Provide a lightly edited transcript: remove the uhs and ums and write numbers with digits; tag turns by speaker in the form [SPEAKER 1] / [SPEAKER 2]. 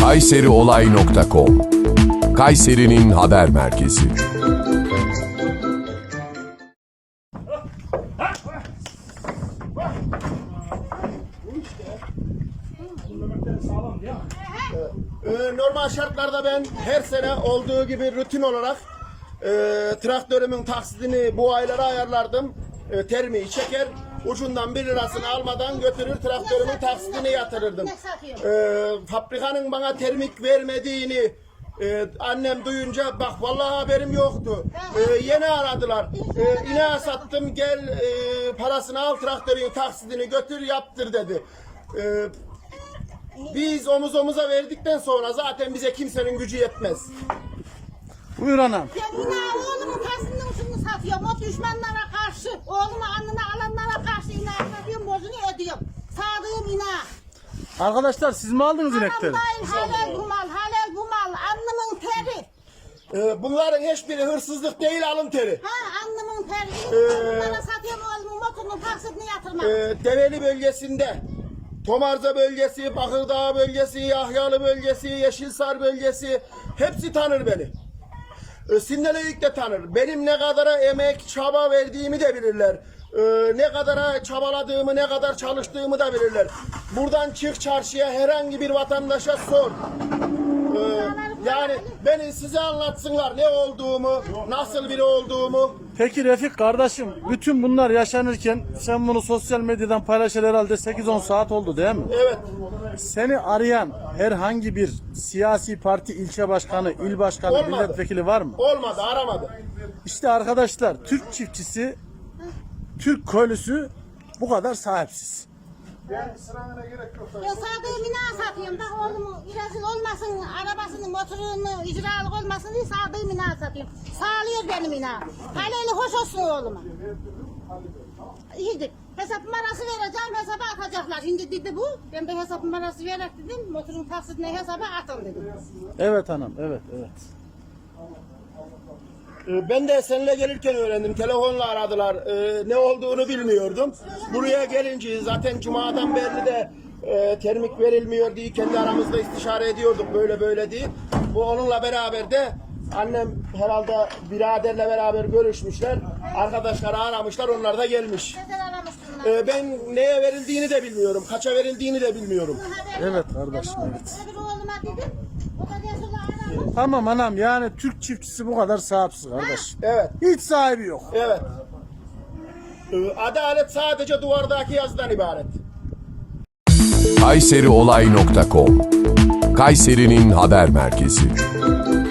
[SPEAKER 1] kayseriolay.com Kayseri'nin haber merkezi.
[SPEAKER 2] Normal şartlarda ben her sene olduğu gibi rutin olarak traktörümün taksidini bu aylara ayarlardım. Termiği çeker, ucundan 1 lirasını almadan götürür traktörümün taksidini yatırırdım. Fabrikanın bana termik vermediğini annem duyunca bak vallahi haberim yoktu. Yeni aradılar. İneğe sattım gel parasını al traktörün taksidini götür yaptır dedi. Biz omuz omuza verdikten sonra zaten bize kimsenin gücü yetmez.
[SPEAKER 3] Buyur anam.
[SPEAKER 4] Ben yine oğlumun taksidini usulünü satıyorum. O düşmanlara karşı, oğlumu alnına alanlara karşı inat ediyorum, borcunu ödüyorum. Sağdığım inak.
[SPEAKER 3] Arkadaşlar siz mi aldınız inekleri?
[SPEAKER 4] Halal bu mal, halal bu mal. Alnımın teri.
[SPEAKER 2] Bunların hiçbiri hırsızlık değil alın teri.
[SPEAKER 4] Alnımın teri. Alnlara satıyorum oğlumun motorunun taksidini yatırmam.
[SPEAKER 2] Develi bölgesinde, Tomarza bölgesi, Bakırdağ bölgesi, Yahyalı bölgesi, Yeşilsar bölgesi hepsi tanır beni. Sindeleyik de tanır. Benim ne kadara emek, çaba verdiğimi de bilirler. Ne kadara çabaladığımı, ne kadar çalıştığımı da bilirler. Buradan çık çarşıya herhangi bir vatandaşa sor. Yani beni size anlatsınlar ne olduğumu, nasıl biri olduğumu.
[SPEAKER 3] Peki Refik kardeşim, bütün bunlar yaşanırken sen bunu sosyal medyadan paylaşır herhalde 8-10 saat oldu değil mi?
[SPEAKER 2] Evet.
[SPEAKER 3] Seni arayan herhangi bir siyasi parti ilçe başkanı, il başkanı,
[SPEAKER 2] Olmadı.
[SPEAKER 3] milletvekili var mı?
[SPEAKER 2] Olmadı, aramadı.
[SPEAKER 3] İşte arkadaşlar Türk çiftçisi, Türk köylüsü bu kadar sahipsiz.
[SPEAKER 2] Ben sıramına gerek yok.
[SPEAKER 4] Ben sağdığım inağı satıyorum. Bak oğlumu rezil olmasın, arabasını, motorunu, icralık olmasın diye sağdığım inağı satıyorum. Sağlıyor benim inağım. Haleli hoş olsun oğluma. İyidir. Hesap numarası vereceğim, hesaba atacaklar. Şimdi dedi bu, ben de hesap numarası vererek dedim, motorun taksidine hesaba atın dedim.
[SPEAKER 3] Evet anam, evet.
[SPEAKER 2] Ben de seninle gelirken öğrendim. Telefonla aradılar. Ne olduğunu bilmiyordum. Buraya gelince zaten Cuma'dan beri de termik verilmiyor diye kendi aramızda istişare ediyorduk böyle böyle diye. Bu onunla beraber de annem herhalde biraderle beraber görüşmüşler. Arkadaşları aramışlar. Onlar da gelmiş.
[SPEAKER 4] Neden aramıştın?
[SPEAKER 2] Ben neye verildiğini de bilmiyorum. Kaça verildiğini de bilmiyorum.
[SPEAKER 3] Evet kardeşim, evet.
[SPEAKER 4] Öbür oğluma dedim, o da sonra aramış.
[SPEAKER 3] Tamam anam, yani Türk çiftçisi bu kadar sahipsiz kardeş.
[SPEAKER 2] Evet.
[SPEAKER 3] Hiç sahibi yok.
[SPEAKER 2] Evet. Adalet sadece duvardaki yazıdan ibaret.
[SPEAKER 1] kayseriolay.com Kayseri'nin haber merkezi.